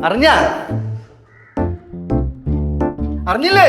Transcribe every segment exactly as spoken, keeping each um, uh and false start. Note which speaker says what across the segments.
Speaker 1: അറിഞ്ഞ അറിഞ്ഞില്ലേ?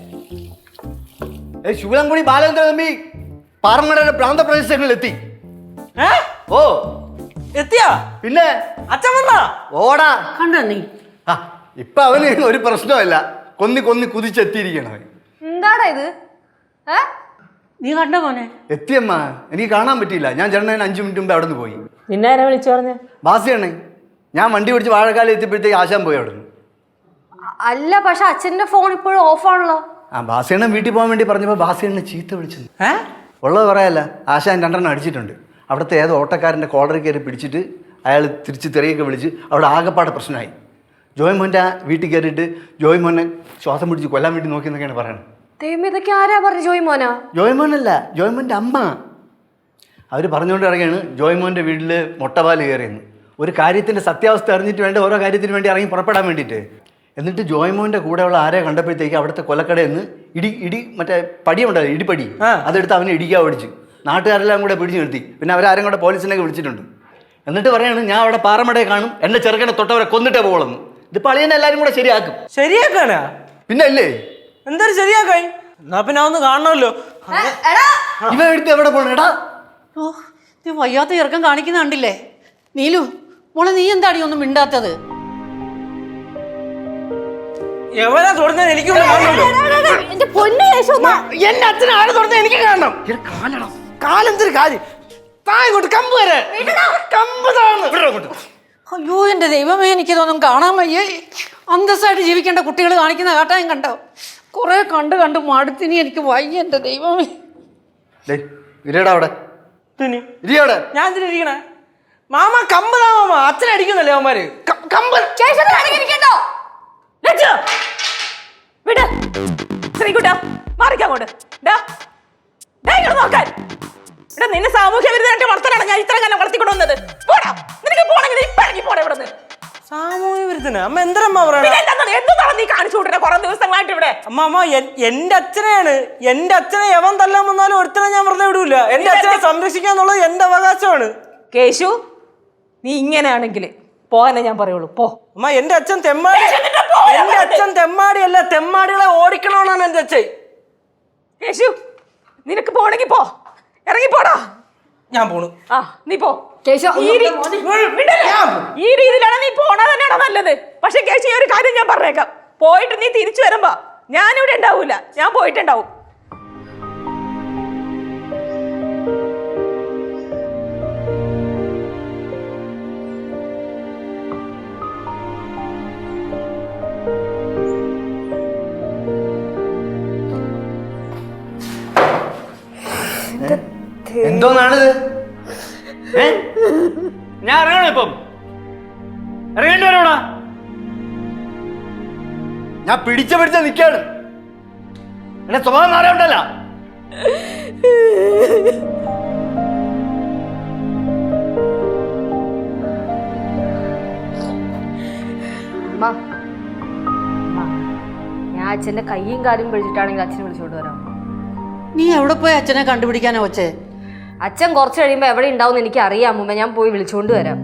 Speaker 1: ഏ ശൂലംകുടി ബാലചന്ദ്ര തമ്പി പാറമടയുടെ പ്രാന്തപ്രദേശങ്ങളിൽ എത്തി. ഓ
Speaker 2: എത്തിയാ?
Speaker 1: പിന്നെ
Speaker 2: അച്ഛൻ വന്നാ?
Speaker 1: ഓടാ
Speaker 3: കണ്ടോ നീ?
Speaker 1: ആ ഇപ്പൊ അവന് ഒരു പ്രശ്നമല്ല, കൊന്നി കൊന്നി കുതിച്ചെത്തിയിരിക്കണം.
Speaker 4: എന്താടാ ഇത്?
Speaker 3: നീ കണ്ട മോനെ?
Speaker 1: എത്തിയമ്മ, എനിക്ക് കാണാൻ പറ്റിയില്ല. ഞാൻ ചേട്ടൻ അഞ്ചു മിനിറ്റ് മുമ്പ് അവിടെ നിന്ന് പോയി.
Speaker 3: നിന്നെ ആരാ വിളിച്ചു പറഞ്ഞേ?
Speaker 1: ബാസിയാണ്. ഞാൻ വണ്ടി പിടിച്ച് വാഴക്കാലം എത്തിയപ്പോഴത്തേക്ക് ആശാൻ പോയി അവിടെ നിന്ന്.
Speaker 4: അല്ല, പക്ഷെ അച്ഛന്റെ ഫോൺ ഇപ്പോഴും ഓഫാണല്ലോ.
Speaker 1: ആ ബാസിയണ്ണൻ വീട്ടിൽ പോകാൻ വേണ്ടി പറഞ്ഞപ്പോൾ ബാസിയണ്ണനെ ചീത്ത വിളിച്ചത്. ഉള്ളത് പറയല്ല, ആശാൻ രണ്ടെണ്ണം അടിച്ചിട്ടുണ്ട്. അവിടുത്തെ ഏതോ ഓട്ടക്കാരൻ്റെ കോളറിൽ കയറി പിടിച്ചിട്ട് അയാൾ തിരിച്ച് തെറിയൊക്കെ വിളിച്ച് അവിടെ ആകെപ്പാടെ പ്രശ്നമായി. ജോയ് മോൻ്റെ വീട്ടിൽ കയറിയിട്ട് ജോയ് മോനെ ശ്വാസം പിടിച്ച് കൊല്ലാൻ വേണ്ടി നോക്കി എന്നൊക്കെയാണ് പറയുന്നത്.
Speaker 4: ദൈവം, ഇതൊക്കെ ആരാ പറഞ്ഞു? ജോയ് മോനാ?
Speaker 1: ജോയ് മോനല്ല, ജോയ് മോൻ്റെ അമ്മ. അവർ പറഞ്ഞുകൊണ്ട് ഇറങ്ങിയാണ് ജോയ് മോൻ്റെ വീട്ടിൽ മുട്ടപാല് കയറിയെന്ന്. ഒരു കാര്യത്തിൻ്റെ സത്യാവസ്ഥ അറിഞ്ഞിട്ട് വേണ്ട ഓരോ കാര്യത്തിന് വേണ്ടി ഇറങ്ങി പുറപ്പെടാൻ വേണ്ടിയിട്ട്. എന്നിട്ട് ജോയ് മോൻ്റെ കൂടെയുള്ള ആരെ കണ്ടപ്പോഴത്തേക്ക് അവിടുത്തെ കൊലക്കടയിൽ നിന്ന് ഇടി ഇടി മറ്റേ പടിയുണ്ടല്ലോ, ഇടിപ്പടി, അതെടുത്ത് അവനെ ഇടിക്കാൻ ഓടിച്ചു. നാട്ടുകാരെല്ലാം കൂടെ പിടിച്ചു നിർത്തി. പിന്നെ അവരാരും കൂടെ പോലീസിനൊക്കെ വിളിച്ചിട്ടുണ്ട്. എന്നിട്ട് പറയാണ് ഞാൻ അവിടെ പാറമടയെ കാണും, എൻ്റെ ചെറുക്കനെ തൊട്ടവരെ കൊന്നിട്ടേ പോകുള്ളൂ. ഇതിപ്പോൾ അളിയനെ എല്ലാവരും കൂടെ ശരിയാക്കും.
Speaker 2: ശരിയാക്കാനാ?
Speaker 1: പിന്നെ അല്ലേ
Speaker 2: എന്തായാലും ശരിയാക്കായി. എന്നാ പിന്നെ ഒന്ന് കാണണമല്ലോ.
Speaker 1: ഇവ എടുത്ത് എവിടെ പോകണം? എടാ
Speaker 3: ഓ, നീ വയ്യാത്ത ചെറുക്കം കാണിക്കുന്ന കണ്ടില്ലേ? നീലു മോളെ, നീ എന്താടി ഒന്നും മിണ്ടാത്തത്?
Speaker 2: എവനാ തുറന്നത് എനിക്ക് കാണണമല്ലോ. എന്റെ അച്ഛനെ ആരെ തുറന്നത് എനിക്ക് കാണണം. കാലെന്തൊരു കാര്യം. താഴോട്ട് കമ്പ് വരെ കമ്പ് താഴ്ന്നു.
Speaker 3: അയ്യോ എന്റെ ദൈവമേ, എനിക്കിതൊന്നും കാണാൻ വയ്യേ. അന്തസ്സായിട്ട് ജീവിക്കേണ്ട കുട്ടികൾ കാണിക്കുന്ന കാട്ടായും കണ്ടോ? കുറെ കണ്ട് കണ്ട് മടുത്തിനി, എനിക്ക് വയ്യ എന്റെ ദൈവമേ.
Speaker 1: അവിടെ
Speaker 2: ഞാൻ ഇരിക്കണേ മാമ. കമ്പ് താ മാമ. അച്ഛനടിക്കുന്നല്ലേ അവന്മാര് കമ്പ്.
Speaker 5: നിന്നെ സാമൂഹ്യ വിരുദ്ധ വളർത്തലാണ് ഞാൻ ഇത്ര കാലം വളർത്തിക്കൊണ്ടുവന്നത്. നിനക്ക് പോണെങ്കിൽ ഇപ്പൊ ഇറങ്ങി പോടെ ഇവിടെ നിന്ന്.
Speaker 2: സാമൂഹ്യ വിരുദ്ധന അമ്മ എന്തരമ്മ പറയണ?
Speaker 5: എന്താണ് നീ കാണിച്ചു കൂട്ടുന്ന കുറെ ദിവസങ്ങളായിട്ട് ഇവിടെ?
Speaker 2: അമ്മ അമ്മ എന്റെ അച്ഛനെയാണ്. എന്റെ അച്ഛനെ എവൻ തല്ലാൻ വന്നാലും ഒരുത്തനെ ഞാൻ വെറുതെ വിടൂല. എന്റെ അച്ഛനെ സംരക്ഷിക്കുക എന്നുള്ളത് എന്റെ അവകാശമാണ്.
Speaker 5: കേശു, നീ ഇങ്ങനെയാണെങ്കിൽ പോകാനേ ഞാൻ പറയുള്ളൂ. പോ
Speaker 2: അമ്മ. എന്റെ അച്ഛൻ തെമ്മാടി. എന്റെ അച്ഛൻ തെമ്മാടിയല്ല, തെമ്മാടികളെ ഓടിക്കണമെന്നാണ് എന്റെ അച്ഛൻ.
Speaker 5: കേശു, നിനക്ക് പോണെങ്കിൽ പോ, ഇറങ്ങിപ്പോടാ.
Speaker 2: ഞാൻ പോണു.
Speaker 5: ആ നീ പോ. ഈ രീതിയിലാണ് നീ പോണത് തന്നെയാണോ നല്ലത്. പക്ഷെ കേശു, ഈ ഒരു കാര്യം ഞാൻ പറഞ്ഞേക്കാം, പോയിട്ട് നീ തിരിച്ചു വരുമ്പോ ഞാനിവിടെ ഉണ്ടാവൂല, ഞാൻ പോയിട്ടുണ്ടാവും.
Speaker 1: എന്തോന്നാണിത്? ഞാൻ ഇറങ്ങണോ ഇപ്പം? ഇറങ്ങേണ്ടി വരോടാ. ഞാൻ പിടിച്ച പിടിച്ച നിക്കാണ്. എന്നെ സ്വഭാവം മാറാണ്ടല്ല.
Speaker 4: ഞാൻ അച്ഛന്റെ കയ്യും കാലും പിടിച്ചിട്ടാണെങ്കിൽ അച്ഛനെ വിളിച്ചോണ്ട് വരാം.
Speaker 3: നീ എവിടെ പോയി അച്ഛനെ കണ്ടുപിടിക്കാനോ വെച്ചേ?
Speaker 4: അച്ഛൻ കുറച്ച് കഴിയുമ്പോ എവിടെ ഉണ്ടാവും എനിക്ക് അറിയാം മുമ്പേ. ഞാൻ പോയി വിളിച്ചോണ്ട് വരാം.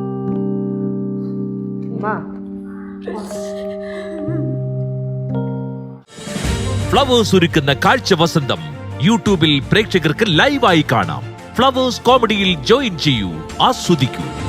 Speaker 6: ഫ്ലവേഴ്സ് ഒരുക്കുന്ന കാഴ്ച വസന്തം യൂട്യൂബിൽ പ്രേക്ഷകർക്ക് ലൈവായി കാണാം. ഫ്ലവേഴ്സ് കോമഡിയിൽ ജോയിൻ ചെയ്യൂ, ആസ്വദിക്കൂ.